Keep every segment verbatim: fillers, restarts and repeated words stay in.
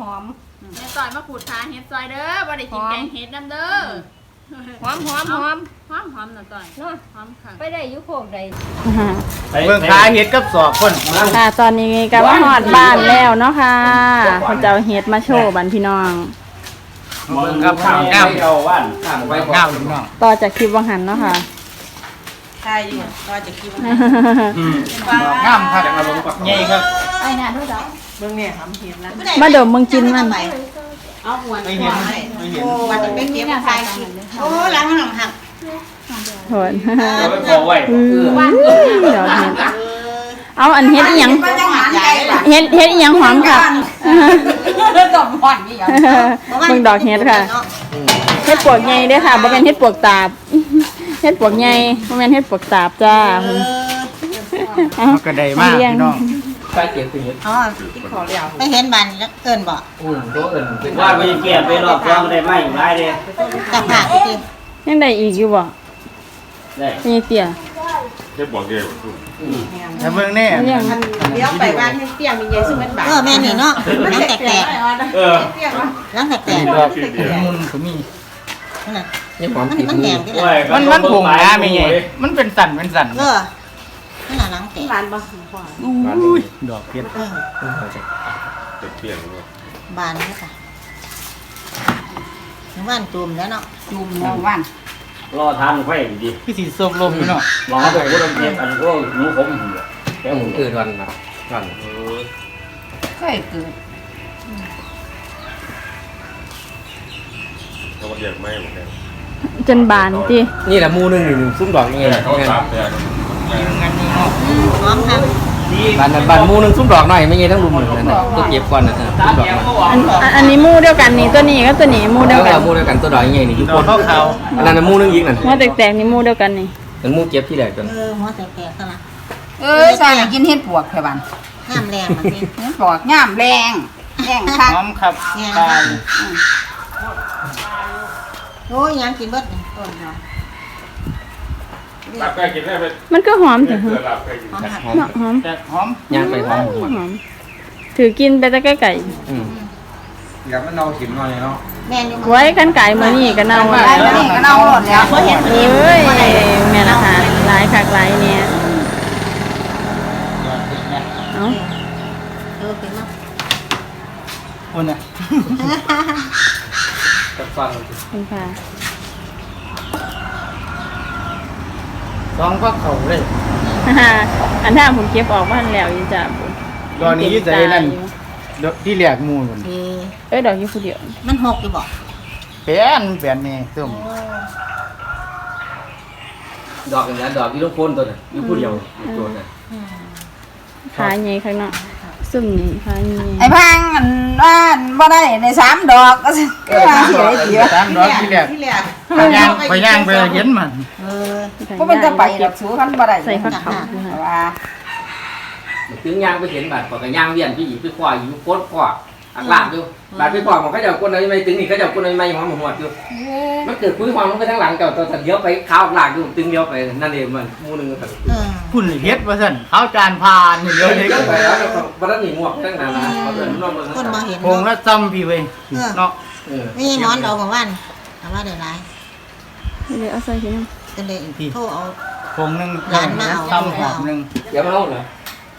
หอมแม่ซอยมาขูดขาเฮ็ดซอยเด้อบ่ได้กินแกงเฮ็ดน้ำเด้อหอมหอมหอมหอมหอมน่ะต่อยเนาะหอมค่ะไปได้อยู่โคกใดเบิ่งขาเฮ็ดกับสอบคนค่ะตอนนี้ก็มาฮอดบ้านแล้วเนาะค่ะเพิ่นจะเอาเฮ็ดมาโชว์บัดพี่น้องเบิ่งครับงามเอาว่านงามไว้งามพี่น้องต่อจากคลิปวังหันเนาะค่ะใช่อยู่ก็จะคิดว่าอืมงามครับใหญ่ครับไอ้น่ะดูดอกเบิ่งเนี่ยทำเห็ดนะมาดมมึงกินมันเอาหัวไม่เห็นไม่เห็นโอ้วันจะเป็นเก็บใส่โอ้ล้างหนังหักโหนเอาไปบอกไว้เดี๋ยวเฮ็ดเอาอันเฮ็ดอีหยังเฮ็ดเฮ็ดอีหยังหอมค่ะดอกหอนนี่หยังเบิ่งดอกเฮ็ดค่ะเฮ็ดปวกใหญ่เด้อค่ะบ่แม่นเฮ็ดปวกตาบเฮ็ดปวกใหญ่บ่แม่นเฮ็ดปวกตาบจ้าเอากระไดมากพี่น้องใส่เก็บตื่นอ๋อที่ขอเลี้ยวไม่เห็นบันเอิ้นบ่อืมตัวอื่นว่าไปเกี่ยไปรอบรองได้ไหมได้เด้ตักผักจริงยังได้อีกอยู่บ่ได้มีเตี้ยเฮ็ดบอกเด้อถ้าเบิ่งแน่เดี๋ยวไปบ้านให้เตี้ยมีใหญ่ซึ่งมันบาดเออแม่นี่เนาะล้างแตกๆเออล้างแตกๆครับมุนก็มีนั่นน่ะนี่หอมติดมันแดงที่ไหนมันมันผงนะมีไงมันเป็นสันเป็นสันเออนั่นน่ะล้างแตกบานบ่อุ้ยดอกเพชรเออเปรี้ยงเนาะบานนี่ค่ะว่านจุ่มแล้วเนาะจุ่มแล้วว่านรอทานไฟดีพี่สีส้มลมพี่น้องรอไปก็ต้องเก็บอันก็หนูผมแก้วเกิดวันนะวันเคยเกิดเขาเรียกไม่เหมือนกันจนบานตินี่แหละมูนึงอยู่ซุ้มดอกยังไงเขาสามแต่หอมค่ะบานบานมูนึงซุ้มดอกหน่อยไม่ไงทั้งรุมเหมือนกันตัวเก็บก่อนนะซุ้มดอกอันอันนี้มู่เดียวกันนี่ตัวนี้ก็ตัวนี้มู่เดียวกันมูเดียวกันตัวดอกยังไงนี่ยุบคนเขาอันนั้นมูนึงยิงนั่นหัวแตกๆนี่มู่เดียวกันนี่มันมูเก็บที่แรกจนเออหัวแตกๆซะละเออใส่กินเฮ็ดปวกแค่บันงามแรงมันนี่เฮ็ดปวกงามแรงแรงคักหอมครับตายโอ้ยยังกินเบิดนี่ต้นเนาะลาบไก่กินได้ไหมมันก็หอมแต่หอมหอมหอมแต่หอมย่างไปหอมหอมถือกินไปแต่ไก่อืมอยากมันเน่าขิมหน่อยเนาะแม่นี่ไว้กันไก่มื้อนี้ก็เน่าแล้วนี่ก็เน่าหมดแล้วบ่เห็นเอ้ยแม่ละค่ะหลายคักหลายเนี่ยเอ้าเออเป็นมั้งคนน่ะกับฟังคุณค่ะสองพักเขาเลยอันถ้าผมเก็บออกบ้านแล้วอยู่จ้ะตอนนี้ใจนั่นที่แหลกมูลเอ้ยดอกอยู่ผู้เดียวมันหกอยู่บ่แป้นแป้นนี่ส้มดอกอย่างนี้ดอกที่ลูกพ่นตัวน่ะอยู่ผู้เดียวตัวน่ะขาใหญ่ข้างนอกซุ่มนี่ขาใหญ่ไอ้พังอันว่าบ่ได้ในสามดอกก็สิว่าสิได้เดียวสามดอกที่แหลกไปย่างไปย่างไปเห็นมันเออบ่เป็นจะไปดอกสูคันบ่ได้ใส่ผักเขาว่าถึงย่างไปเห็นบาดปอกย่างเวียนพี่หญิงไปคว้าอยู่โคตรคว้าอักลาบอยู่บาดไปคว้ามันเขาจะเอาก้นอะไรไม่ถึงนี่เขาจะเอาก้นอะไรไม่หอมหัวอยู่มันเกิดคุยความมันไปทั้งหลังเก่าตัวเดียวไปข้าวหลากอยู่ตึงเดียวไปนั่นเองมันมูนึงก็ตัดคุณเฮ็ดว่าซั่นข้าวจานพานเดียวเลยก็ไปแล้วบ่ได้หนีหมวกทั้งนั้นนะเขาเดินนอกเมืองคนมาเห็นพงละซ้ำพี่เว้ยเนาะนี่หมอนดอกของวันเอาว่าได้หลายเดี๋ยวเอาใส่ชิ้นกันเลยโทรเอาพงนึงซ้ำหอมนึงเดี๋ยวมาเอาเหรอ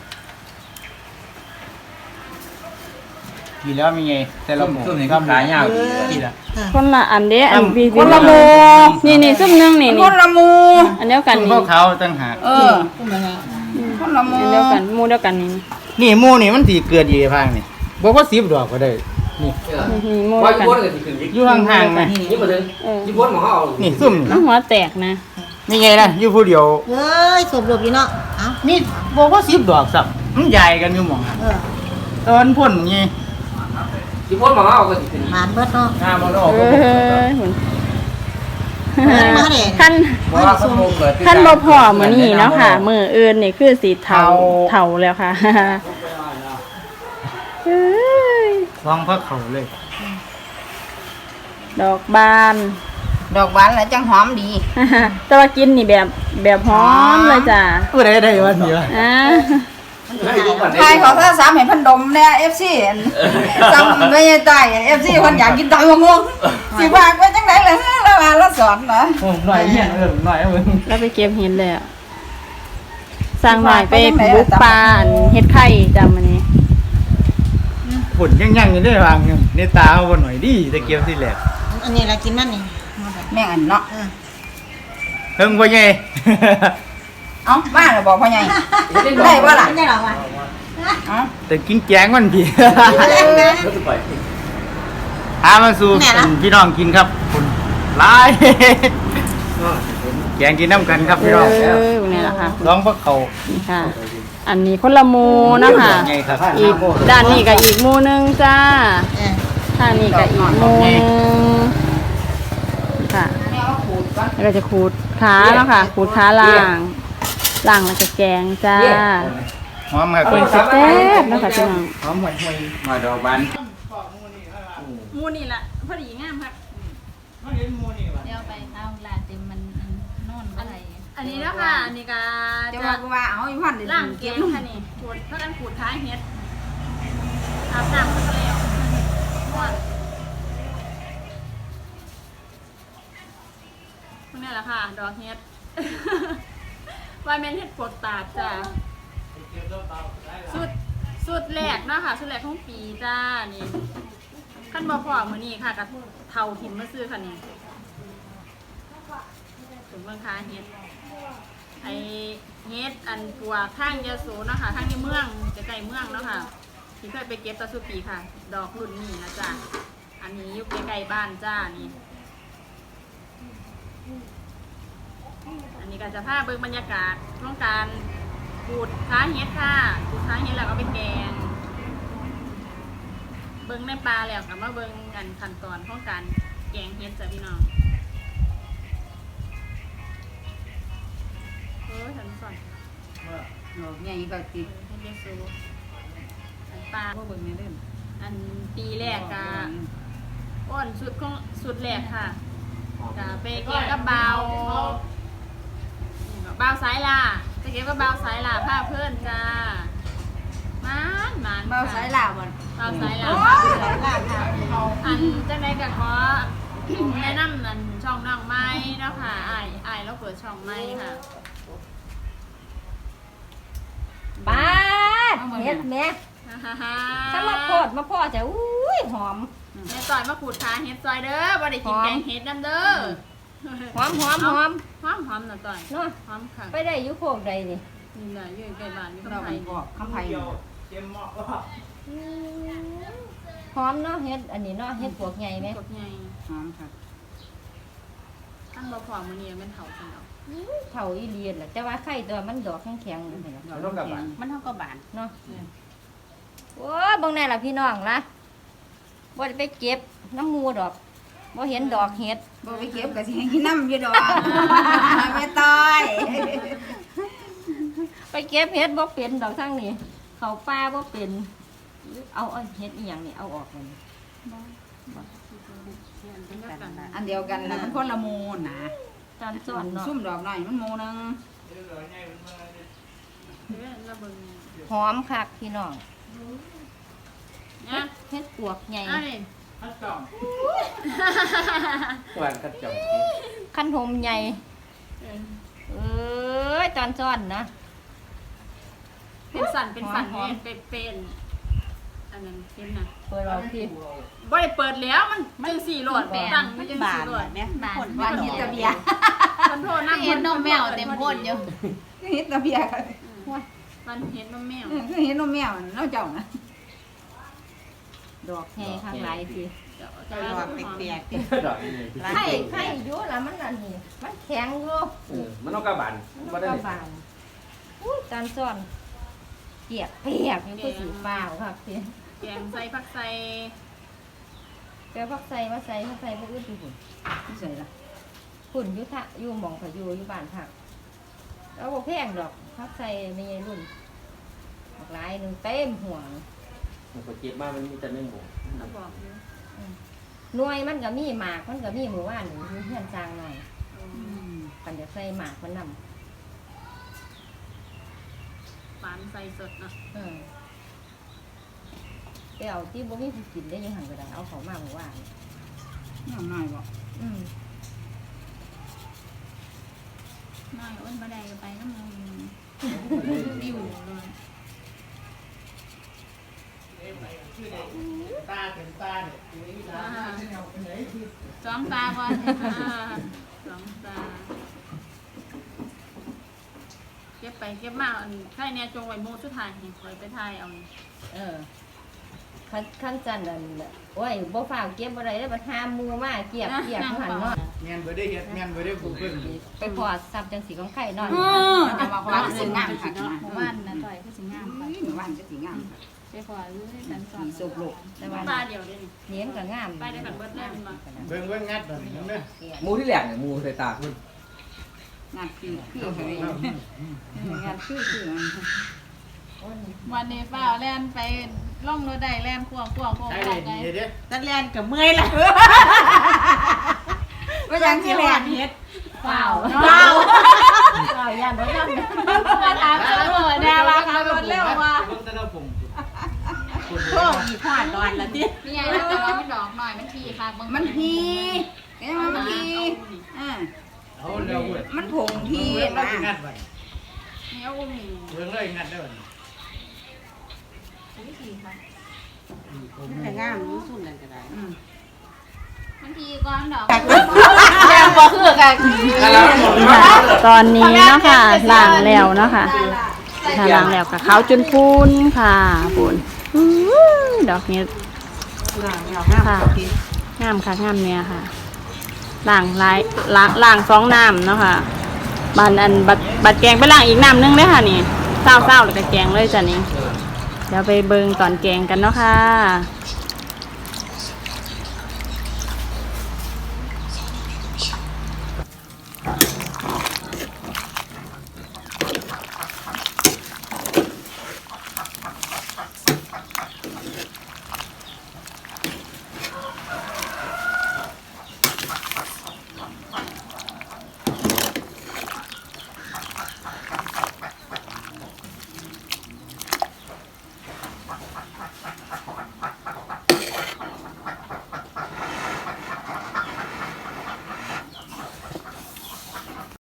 กี่แล้วมีไงแต่ละหมูซุ่มนี่ก็ขายยาวดีละคนละอันเด้อันพี่คนละโมนี่นี่ซุ่มนึงนี่คนละโมอันเดียวกันนี่พวกเขาตั้งหากเออคนละโมอันเดียวกันโมเดียวกันนี่นี่หมูนี่มันสิเกิดอยู่พังนี่บอกว่าสิบดอกก็ได้นี่นี่โมเดียวกันอยู่ห่างๆนะนี่บ่ถึงอยู่บนหม้อเฮานี่ซุ่มน้ำหัวแตกนะมีไงล่ะอยู่ผู้เดียวเอ้ยสบรบอยู่เนาะเอ้านี่บอกว่าสิบดอกสับมันใหญ่กันอยู่หม่องเออตอนพ่นนี่ที่พ้นมาเอาก็สิมานเบิดเนาะห้ามันออกเออหุ่นท่านท่านบ่พอมื้อนี้เนาะค่ะมื้ออื่นนี่คือสีเทาเทาแล้วค่ะเอ้ยลองพักเขาเลยดอกบานดอกบานแล้วจังหอมดีแต่ว่ากินนี่แบบแบบหอมเลยจ้ะผู้ใดได้วันนี้วะเทายเขาถ้าสามเห็นพันดมเนี่ยเอฟซีจำไม่ได้เอฟซีคนอยากกินตำมะม่วงสิว่าไปจังไหนเลยแล้วมาแล้วสอนเหรอหน่อยเงี้ยเออหน่อยมึงแล้วไปเก็บเห็ดเลยอะสร้างหน่อยไปบุกปลาอันเห็ดไข่จำอันนี้ฝนยังยังอยู่ด้วยวางในตาเขาบนหน่อยดิตะเกียบที่แหลกอันนี้เรากินมันนี่แม่งอันเนาะเฮิงพ่อใหญ่เอ้าบ้านเราบอกพ่อใหญ่ได้ป่ะล่ะไม่ได้หรอกว่ะเอ้าแต่กินแกงมันพี่รถสปอยหามาสู่พี่น้องกินครับคุณลายแกงกินน้ำกันครับเอพี่น้องอนี่แหละค่ะร้องพวกเขานี่ค่ะ อันนี้คนละหมูเนาะคะไงครับอีกด้านนี้กับอีกหมูหนึงจ้าเออทางนี้กับอีกหมูหนึงค่ะแม่ว่าขูดก่อนแล้วก็จะขูดขาเนาะค่ะขูดขาล่างล่างแล้วก็แกงจ้าหอมครับเป็นสเต็ปเนาะค่ะพี่น้องหอมห่วยห่วยมาดอกบานหมูนี่แหละพอดีงามค่ะเดี๋ยวไปเอาลาเต็มมันนอนอะไรอันนี้เนาะค่ะอันนี้ก็จะจะว่ากูว่าเอาอีพันเดี๋ยวล่างแกงค่ะนี่ขูดเพื่อกันขูดขาเฮ็ดอาบน้ำก็แล้วม่วนพวกนี้แหละค่ะ ดอกเฮ็ด ว่าแม่นเฮ็ดปวดตาดจ้ะสุดสุดแรกเนาะค่ะสุดแรกของปีจ้านี่ขั้นบ่พอมื้อนี้ค่ะกับเท่าถิ่มมาซื้อค่ะนี่ถึงเมืองคาเฮ็ดไอเฮ็ดอันปัวข้างยะโสเนาะค่ะข้างในเมืองจะใกล้เมืองเนาะค่ะที่เคยไปเก็บตะสุปีค่ะ ดอกรุ่นนี้นะจ้ะอันนี้อยู่ใกล้ๆบ้านจ้านี่ อันนี้ก็จะพาเบิ่งบรรยากาศช่วงการขูดค้าเฮ็ดค่ะขูดค้าเฮ็ดแล้วก็ไปแกง เบิ่งในปลาแล้วก็มาเบิ่งกันขั้นตอนของการแกงเฮ็ดจ้ะพี่น้องเออฉันสอนใหญ่ก็ติดเฮ็ดเยอะสูอันปลาบ่เบิ่งในเล่มอันปีแรกก็อ้อนสุดของสุดแรกค่ะก็ไปแกงกับเบาเบาสายล่าไปเก็บกับเบาสายล่าผ้าเพื่อนจ้ามานมานเบาสายลาบ่นเบาสายล่าสายลาค่ะอันจังไดก็ขอ แนะนำอันช่องน้องไม้เนาะค่ะอ้ายอ้ายเราเปิดช่องไม้ค่ะบ้าดเฮ็ดแม่ฮ่าฮ่าฮ่าถ้ามาโพดมาพ่อจะอุ้ยหอมแม่ต่อยมาขูดขาเฮ็ดซอยเด้อบ่ได้กินแกงเฮ็ดนํเด้อหอมหอมหอมหอมหอมน่ะต่อยเนาะหอมค่ะไปได้อยู่โคกใดนี่นี่แหละอยู่ใกล้บ้านอยู่เรากับไผบอกคำไผ่หอมเนาะเฮ็ดอันนี้เนาะเฮ็ดปวกใหญ่ไหมกดใหญ่หอมค่ะท่านบ่พอมื้อนี้มันเฒ่าซั่นดอกเท่าอีเลียนล่ะแต่ว่าไข่ตัวมันดอกแข็งๆนั่นแหละเราต้องกับบานมันเท่ากับบานเนาะโอ้ยเบิ่งแน่ล่ะพี่น้องล่ะบ่ได้ไปเก็บน้ำหมูดอกบ่เห็นดอกเฮ็ดบ่ไปเก็บก็สิให้กินน้ำอยู่ดอกไม่ต้อยไปเก็บเฮ็ดบ่เป็นดอกทั้งนี้เขาป่าบ่เป็นเอาเอาเฮ็ดอีหยังนี่เอาออกเลยอันเดียวกันนะมันคนละมูลนะตอนสอนเนาะซุ่มดอกหน่อยมันมูนึงเด้อแล้วเบิ่งหอมคักพี่น้องนะเฮ็ดปวกใหญ่อ้ายหวานกระจอกขั้นหมใหญ่เออเอ้ยตอนซ้อนนะเป็นสันเป็นสันหอมเป็นเป็นอันนั้นเป็นน่ะเปิดเอาที่บ่ได้เปิดแล้วมันจังสี่โหลดตั้งมันจังสี่โหลดเนี่ยบานบานเฮ็ดตะเบียคนโทษนะเห็นนมแมวเต็มโพดอยู่เฮ็ดตะเบียมันเห็นนมแมวคือเฮ็ดนมแมวน้าเจ้านะดอกแห่ข้างหลายทีดอกเปียกดอกนี่ไข่ไข่อยู่แล้วมันอันนี้มันแข็งอยู่เออมันต้องกระบานมันบ่ได้ก็บานอุ้ยตอนซ้อนเปียกเปียกอยู่ก็สีฟ้าวครับพี่แกงใส่ผักใส่แปลพักใส่มาใส่พักใส่พวกอื่นอยู่หุ่นนี่ใส่ละหุ่นอยุทะอยู่หมองเขาอยู่อยู่บ้านผักแล้วบอกแพงดอกพักใส่ไม่ใช่รุ่นดอกหลายหนึ่งเต็มห่วงมันก็เจ็บมากมันมีแต่แมงมุมเราบอกอยู่หน่วยมันก็มีหมากมันก็มีหมู่บ้านอยู่เพื่อนจางหน่อยกันจะใส่หมากมันนำฝานใส่สดเนาะเออแต่เอาที่บ่มีผู้กินได้ยังหันก็ได้เอาเขามาเมื่อวานน้ำน้อยบ่อืมน้อยอ้นบ่ได้ก็ไปน้ำมันวิวเลยตาเต็มตาเนี่ยสองตาบ่สองตาเก็บไปเก็บมาอันใครเนี่ยจงไว้โมสุดท้ายให้คอยไปทายเอานี่เออขั้นขั้นจันนั่นแหละโอ้ยบ่ฟ้าวเก็บบ่ได้แล้วบ่หามือมาเกียบเกียบหันเนาะแม่นบ่ได้เฮ็ดแม่นบ่ได้ปลูกเพิ่นไปพอซับจังสีของไข่นอนอือจะมาว่าสิงามคักนะหมู่บ้านนะต่อยก็สิงามไปหมู่บ้านจะสิงามไปขอรู้ให้กันสอนสุกโลกแต่ว่าป้าเดียวเด้นี่เลี้ยงก็งามไปได้กันเบิดแล้วมันมาเบิ่งเบิ่งงัดบ่นี่เด้อหมูที่แหลกเนี่ยหมูใส่ตาคุณงานคือคือเฮ้ยงานคือคือวันนี้ป้าแล่นไปล่องรถได้แล่นควงควงควงใช่ควเลงยไงเด้อตัดแลนกับเมื่อยละว่าอย่างที่แลนเฮ็ดเปล่าเปล่าเปล่าย่านบ่ย่านมาถามเจ้าหน่อยแน่ว่าขับรถเร็วว่าเบิ่งแต่ละผมโอ้ยพลาดนอนละตินี่ไงแต่ว่ามันดอกหน่อยมันทีค่ะมันพีเอ้ยมันพีอ่าเอาแล้วเว้ยมันผงพีเบิ่งแล้วนะสิงัดไว้นี่เอาอุ้มนี่เบิ่งเลยงัดได้บ่วิธีค่ะแต่งามรู้สุดนั่นก็ได้มันทีก้อนดอกแดงบ่คือกันตอนนี้เนาะค่ะล้างแล้วเนาะค่ะถ้าล้างแล้วกับขาวจนพูนค่ะพูนดอกนี้ค่ะงามค่ะงามเนี่ยค่ะล้างลายล้างล้างสองน้ำเนาะค่ะบันอันบัดบัดแกงไปล้างอีกน้ำนึงเลยค่ะนี่เศร้าเศร้าแล้วก็แกงเลยจ้ะนี่เดี๋ยวไปเบิ่งตอนแกงกันเนาะค่ะ